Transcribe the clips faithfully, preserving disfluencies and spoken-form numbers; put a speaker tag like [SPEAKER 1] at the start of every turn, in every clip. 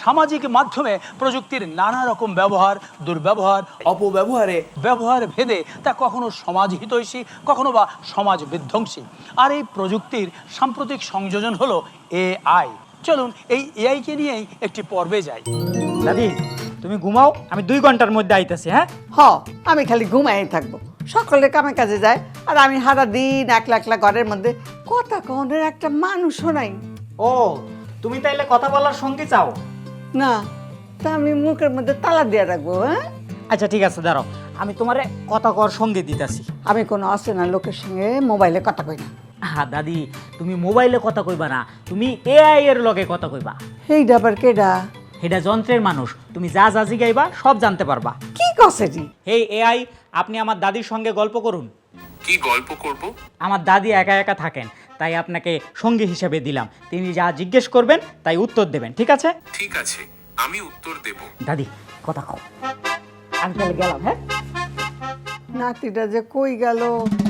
[SPEAKER 1] সামাজিক মাধ্যমে প্রযুক্তির নানা রকম ব্যবহার, দুর্ব্যবহার, অপব্যবহারে ব্যবহার ভেদে তা কখনো সমাজ হিতৈষী, কখনো বা সমাজ বিধ্বংসী। আর এই প্রযুক্তির সাম্প্রতিক সংযোজন হলো এআই। চলুন এই এআইকে নিয়েই একটি পর্বে যাই।
[SPEAKER 2] দাদি তুমি ঘুমাও, আমি দুই ঘন্টার মধ্যে আইতাছি। হ্যাঁ
[SPEAKER 3] হ, আমি খালি ঘুমাই থাকবো, সকলে কামে কাজে যায়, আর আমি সারা দিন একলা একলা ঘরের মধ্যে কথা কনের একটা মানুষও নাই।
[SPEAKER 2] ও তুমি তাইলে কথা বলার সঙ্গী চাও?
[SPEAKER 3] না, তা আমি মুখের মধ্যে তালা দিয়ে রাখবো। হ্যাঁ,
[SPEAKER 2] আচ্ছা ঠিক আছে, দাঁড়াও আমি তোমারে কথা কর সঙ্গে দিতাছি।
[SPEAKER 3] আমি কোনো অচেনা লোকের সঙ্গে মোবাইলে কথা কই না।
[SPEAKER 2] হ্যাঁ দাদি, তুমি মোবাইলে কথা কইবা না, তুমি এআই এর লগে কথা কইবা।
[SPEAKER 3] এই ডাবার কেডা?
[SPEAKER 2] এটা যন্ত্রের মানুষ, তুমি যা যা জিগাইবা সব জানতে পারবা।
[SPEAKER 3] কি কছে জি?
[SPEAKER 2] হেই এআই, আপনি আমার দাদির সঙ্গে গল্প করুন।
[SPEAKER 4] কি গল্প করব?
[SPEAKER 2] আমার দাদি একা একা থাকেন, তাই আপনাকে সঙ্গী হিসেবে দিলাম। তিনি যা জিজ্ঞেস করবেন তাই উত্তর দেবেন, ঠিক আছে?
[SPEAKER 4] ঠিক আছে, আমি উত্তর দেব।
[SPEAKER 2] দাদি কথা কও। আমি তাহলে গেলাম। হ্যাঁ,
[SPEAKER 3] নাতিটা যে কই গেল?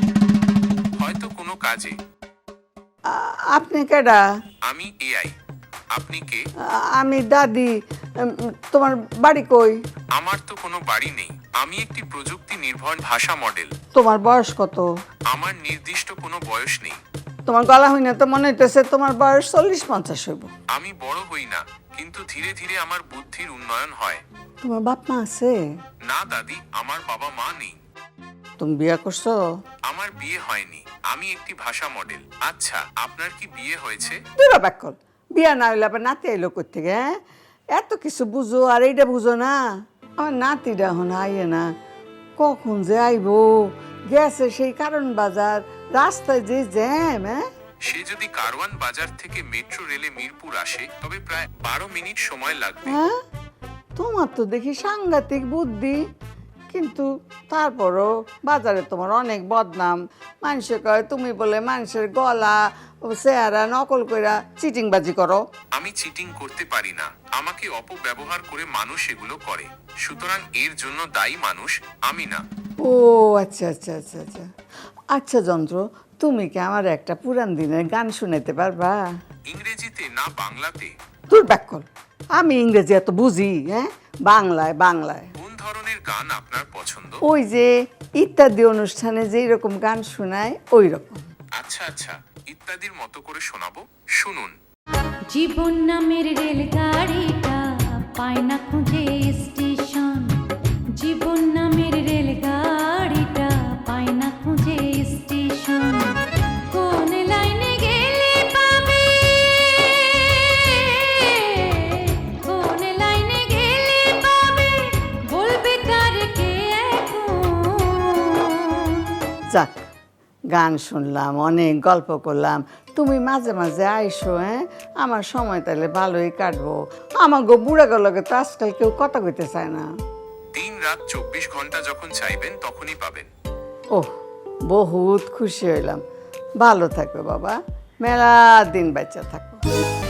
[SPEAKER 4] হয়তো কোনো কাজে।
[SPEAKER 3] আ- আপনি কেডা?
[SPEAKER 4] আমি এআই। আপনি কে?
[SPEAKER 3] আ- আমি দাদি। উম, তোমার বাড়ি কই?
[SPEAKER 4] আমার তো কোনো বাড়ি নেই, আমি একটি প্রযুক্তি নির্ভর ভাষা মডেল।
[SPEAKER 3] তোমার বয়স কত?
[SPEAKER 4] আমার নির্দিষ্ট কোনো বয়স নেই।
[SPEAKER 3] তোমার গলা হইনা তো মনে হইতেছে তোমার বয়স চল্লিশ পঞ্চাশ হইব।
[SPEAKER 4] আমি বড় হই না, কিন্তু ধীরে ধীরে আমার বুদ্ধির উন্নয়ন হয়।
[SPEAKER 3] তোমার বাপ মা আছে?
[SPEAKER 4] না দাদি, আমার বাবা মা নেই।
[SPEAKER 3] তুমি বিয়ে করছো?
[SPEAKER 4] আমার বিয়ে হয়নি, আমি একটি ভাষা মডেল। আচ্ছা, আপনার কি বিয়ে হয়েছে?
[SPEAKER 3] দূর ব্যাকল, বিয়া না হইলে আবার নাতি আইলো কই থেকে? হ্যাঁ, এত কিছু বুঝো আর এইটা বুঝো না। আমার নাতিটা এখন আইয়ে না, কখন যে আইবো? গেছে সেই কারণ বাজার, রাস্তায় যে জ্যাম। হ্যাঁ,
[SPEAKER 4] সে যদি কারওয়ান বাজার থেকে মেট্রো রেলে মিরপুর আসে তবে প্রায় বারো মিনিট সময় লাগবে।
[SPEAKER 3] হ্যাঁ, তোমার তো দেখি সাংঘাতিক বুদ্ধি, কিন্তু তারপরও বাজারে তোমার অনেক বদনাম। মানুষে কয় তুমি বলে মানুষের গলা ও চেহারা নকল কইরা চিটিংবাজি করো।
[SPEAKER 4] আমি চিটিং করতে পারি না, আমাকে অপব্যবহার করে মানুষ এগুলো করে। সুতরাং এর জন্য দায়ী মানুষ, আমি না।
[SPEAKER 3] ও আচ্ছা আচ্ছা আচ্ছা আচ্ছা আচ্ছা যন্ত্র, তুমি কি আমার একটা পুরান দিনের গান শুনাইতে পারবা?
[SPEAKER 4] ইংরেজিতে না বাংলাতে?
[SPEAKER 3] তোর ব্যাকল, আমি ইংরেজি এত বুঝি? হ্যাঁ, বাংলায় বাংলায়।
[SPEAKER 4] কোন ধরনের গান আপনার পছন্দ?
[SPEAKER 3] ওই যে ইত্যাদি অনুষ্ঠানে যেই রকম গান শোনায় ওই রকম।
[SPEAKER 4] আচ্ছা আচ্ছা, ইত্যাদির মতো করে শোনাবো, শুনুন।
[SPEAKER 5] জীবন নামের রেলগাড়িটা পায় না খুঁজে স্টেশন, জীবন নামের রেলগাড়িটা পায় না খুঁজে স্টেশন। কোন লাইনে গেলে পাবে, কোন লাইনে গেলে পাবে, বলবে তার কে এখন।
[SPEAKER 3] যাক, গান শুনলাম, অনেক গল্প করলাম, তুমি মাঝে মাঝে আইসো। হ্যাঁ, আমার সময় তাহলে ভালোই কাটবো। আমার গো বুড়া গলকে তো আজকাল কেউ কথা কইতে চায় না।
[SPEAKER 4] দিন রাত চব্বিশ ঘন্টা যখন চাইবেন তখনই পাবেন।
[SPEAKER 3] ওহ, বহুত খুশি হইলাম। ভালো থাকো বাবা, মেলা দিন বাচ্চা থাকো।